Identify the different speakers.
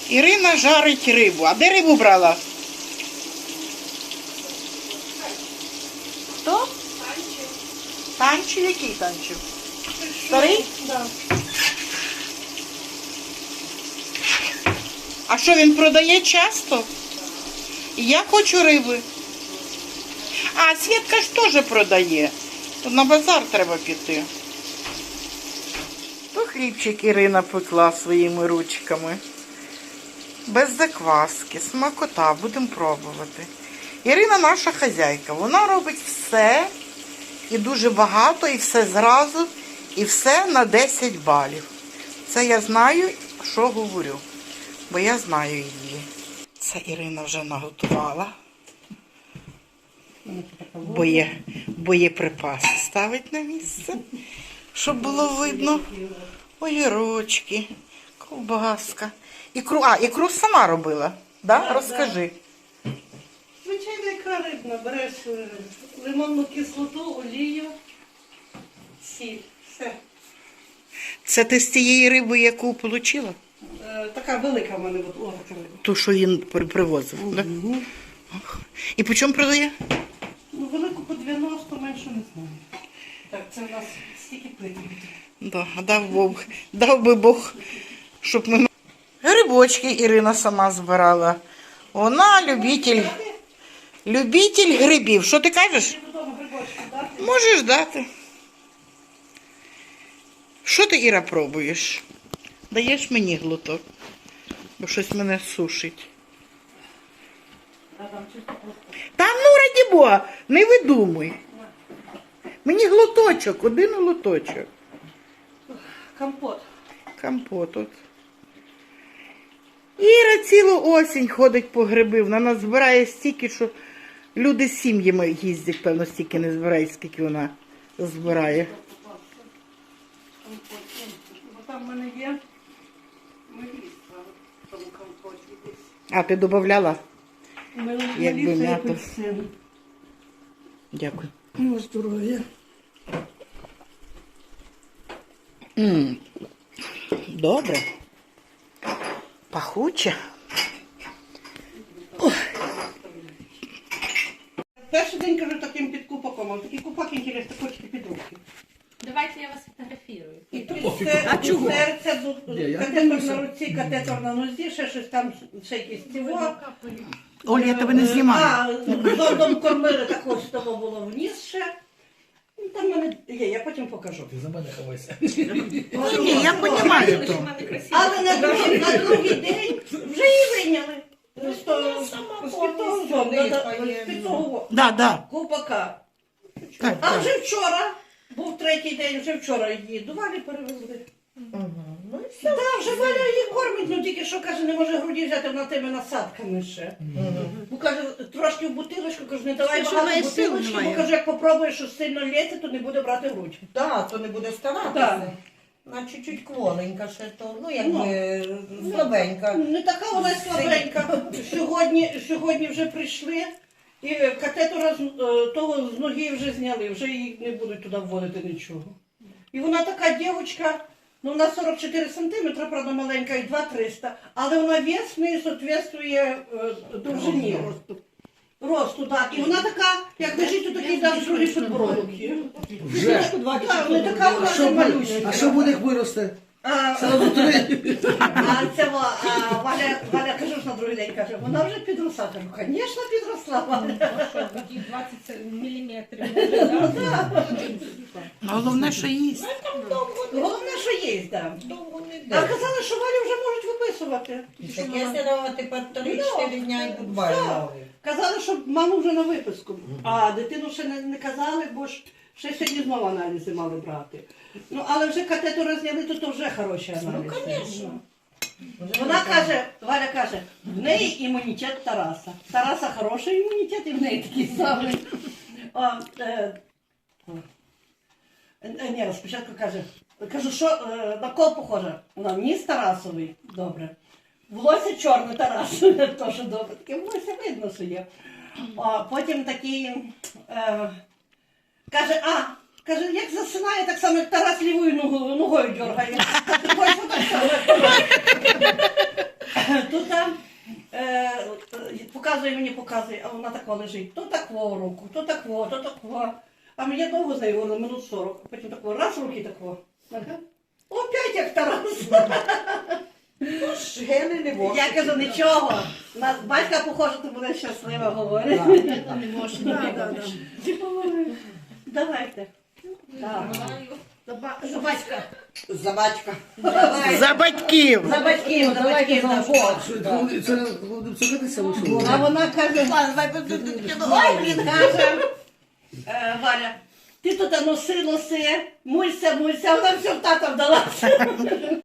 Speaker 1: Ірина жарить рибу. А де рибу брала? Хто?
Speaker 2: Танчик.
Speaker 1: Танчик? Який танчик? Старий?
Speaker 2: Да.
Speaker 1: А що, він продає часто? І я хочу риби. А, Свєтка ж теж продає. Тут на базар треба піти. То хлібчик Ірина пекла своїми ручками. Без закваски, смакота, будемо пробувати. Ірина наша хазяйка, вона робить все, і дуже багато, і все зразу, і все на 10 балів. Це я знаю, що говорю, бо я знаю її. Це Ірина вже наготувала. Боєприпаси ставить на місце, щоб було видно. Огірочки, ковбаска. Ікру сама робила, да?
Speaker 2: Да,
Speaker 1: Розкажи.
Speaker 2: Звичайна ікра рибна. Береш лимонну кислоту, олію, сіль. Все.
Speaker 1: Це ти з тієї риби, яку отримала?
Speaker 2: Така велика в мене була така риба.
Speaker 1: Ту, що він привозив, да? І по чому продає?
Speaker 2: Ну, велику по 90, меншу не знаю. Так, це у нас стільки плитів.
Speaker 1: Да, дав би Бог, щоб ми... Грибочки Ірина сама збирала. Вона любитель грибів. Що ти кажеш?
Speaker 2: Ти додому грибочки дати?
Speaker 1: Можеш дати. Що ти, Іра, пробуєш? Даєш мені глоток, бо щось мене сушить. Та ну, раді Бога, не видумуй. Мені глоточок, один глоточок.
Speaker 2: Компот.
Speaker 1: Компот от. Іра цілу осінь ходить по гриби. Вона нас збирає стільки, що люди з сім'ями їздять, певно, стільки не збирають, скільки вона збирає.
Speaker 2: Бо там в мене є меліса в тому компоті десь.
Speaker 1: А, ти додавала? Якби
Speaker 2: Меліса і
Speaker 1: м'ято.
Speaker 2: апельсин.
Speaker 1: Дякую.
Speaker 2: Ну, здоров'я.
Speaker 1: Добре. Пахуче.
Speaker 2: Перший день, кажу, таким під купаком, а такий купак, інтересно, хочете під руки.
Speaker 3: Давайте я вас фотографірую.
Speaker 2: І тут серце, катетор на руці, катетор на нозі, ще щось там, ще якісь цього.
Speaker 1: Оля, я тебе не знімаю.
Speaker 2: Зондом кормили, також з того було вниз ще. Ну, там в мене є, я потім покажу.
Speaker 4: Ти за мене ховайся.
Speaker 1: Ні, я розумію то.
Speaker 2: Але на другий день вже її вийняли. З того зонду,
Speaker 1: Да.
Speaker 2: купака.
Speaker 1: Так,
Speaker 2: А
Speaker 1: так.
Speaker 2: вже вчора, був третій день, вже вчора її до Валі перевезли. Так, вже Валя її кормить, ну тільки що, каже, не може груді взяти, вона тими насадками ще. Ну, каже, трошки в бутилочку, каже, не давай багато бутилочки, бо каже, як попробуєш, що сильно лється, то не буде брати грудь.
Speaker 5: Так, то не буде старатися.
Speaker 2: Так.
Speaker 5: На чуть-чуть кволенька ще то, ну якби слабенька.
Speaker 2: Не така вона й слабенька. Сьогодні вже прийшли, і катетора того з ноги вже зняли, вже її не будуть туди вводити нічого. І вона така дівчинка, ну вона 44 сантиметри, правда маленька, і 2,300, але вона вес не відповідає довжині. Росту, так. І вона така, як лежить, то такий дав другий підбородок.
Speaker 4: Вже?
Speaker 2: Так, не така вона не малюсенька.
Speaker 4: А що буде, як виросте? Сразу три.
Speaker 2: Валя, кажу ж на другий день, каже, вона вже підросла. Кажу, звісно, підросла Валя.
Speaker 3: 20 міліметрів.
Speaker 1: Головне, що їсть.
Speaker 2: Головне, що є, так.
Speaker 5: Довго не
Speaker 2: А
Speaker 5: йде.
Speaker 2: казали, що Валю вже можуть виписувати.
Speaker 5: Таке сидова тепер 3-4 дня і будь-бай.
Speaker 2: Казали, що маму вже на виписку. А дитину ще не казали, бо ж ще сьогодні знову аналізи мали брати. Ну, але вже катетор зняли, то вже хороші аналізи.
Speaker 5: Ну, звісно.
Speaker 2: Вона каже, Валя каже, в неї імунітет Тараса. Тараса хороший імунітет, і в неї такий самий. Ні, спочатку каже, кажу, що на кого похоже? Вона ніс Тарасовий, добре. Волосся чорне Тарас, теж добре. Таке волосся видно, що є. Потім такий, каже, як засинає, так само, як Тарас лівою ногою дергає. Тут розказує, а вона така лежить, то такого руку, то такого, то такого. А мені довго з нею говорили, минут 40. А потім такого, раз руки такого. Ага. Опять як Тарас.
Speaker 5: Гени не можна.
Speaker 2: Я кажу, нічого. На батька похоже, ти будеш щаслива, говорить.
Speaker 3: Не можна.
Speaker 2: Давайте. Так. За батька.
Speaker 5: За батька.
Speaker 1: За батьків!
Speaker 2: За батьків, за батьків. за Бог.
Speaker 4: Це будемо цукатися вийшло.
Speaker 2: А вона каже, ой, блін, каже, Валя, ти тут носи, муйся, вона все в тата вдалася.